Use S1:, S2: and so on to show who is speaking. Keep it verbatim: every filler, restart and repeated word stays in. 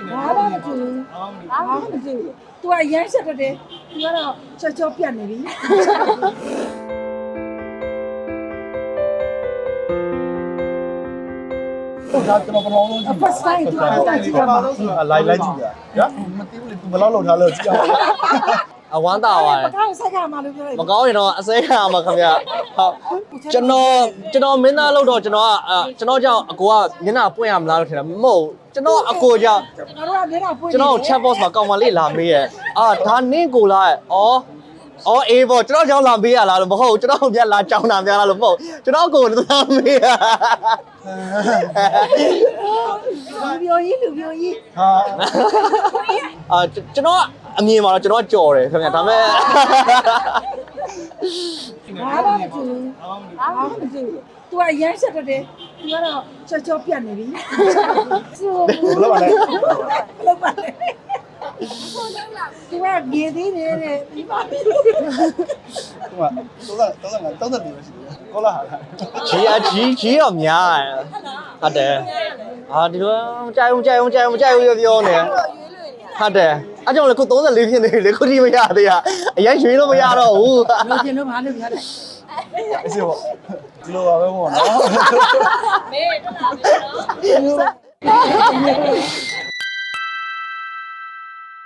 S1: ဘာမှမကြည့်ဘာမှမကြည့် तू ကရမ်းချက်တက်တယ် तू ကတော့ချောချောပြတ်နေပြီ
S2: ဟုတ်ဒါကျွန်တော်ပထမဆုံးကြည့်
S1: first time သူကတက်ကြည့်ရမှာ
S2: လိုက်လိုက်ကြည့်ရမသိဘူးလေ तू ဘယ်လောက်လောက်ထားလဲကြည့်အောင်
S3: အဝမ်းသာပါတ
S1: ပ
S3: ယ်
S1: ကောင်းဆိုင်ကမှာလို့ပြောလိုက်
S3: မကောင်းရင်တော့အစဲခံရမှာခင်ဗျဟုတ်ကျွန်တော်ကျွန်တော်မင်းသားလို့တော့ကျွန်တော်ကကျွန်တော်ကြောင့်အကိုကမျက်နှာပွင့်ရမလားလို့ထင်တာမဟုတ်ကျွန်တော်အကိုကြောင့်
S1: ကျွန်တော်တို့ကမျက်နှာပွင့်
S3: ကျွန်တော် chat box မှာကောင်မလေးလာမေးရဲ့အာဒါနင့်ကိုလားအော်အော်အေးပေါ့ကျွန်တော်ကြောင့်လာမေးရလားလို့မဟုတ်ကျွန်တော်ပြန်လာကြောင်းတာများလားလို့မဟုတ်ကျွန်တော်ကိုလာမေးရ
S1: လူပြိုကြီးလူပြိုကြီး
S2: ဟာ
S3: အာကျွန်တော်အမြင်မှာတော့ကျွန်တော်ကြော်တယ်ခင်ဗျဒါပေမဲ့
S1: ဘာမှမကြည့်ဘာမှမကြည့် तू ကရမ်းချက်တက်တယ် तू ကတော့ချောချောပြတ်နေပြီ
S2: ဘယ်လောက်ပါလဲ
S1: ဘလောက်ပါလဲ तू ကမြေသေးတယ်တဲ့ဒီပါပြီ
S2: ဟိုက35 35 34ပဲရှိတယ်ကောလာဟာ
S3: ကြီးအကြီးကြီးတော့များတယ်ဟုတ်တယ်အာဒီလိုကြိုက်အောင်ကြိုက်အောင်ကြိုက်အောင်ကြိုက်အောင်ပြောနေဟုတ်တယ်အဲ့ကြောင့်လေခု34ဖြစ်နေပြီလေခုထိမရသေးရအရင်ရွှေလို့မရတော့ဘူး
S1: လိုချင်လို့ဘာလို့ပြောလဲ
S2: အစီပေါ့ဒီလိုပါပဲပေါ့နော်
S4: မေးတော့တာပဲနော်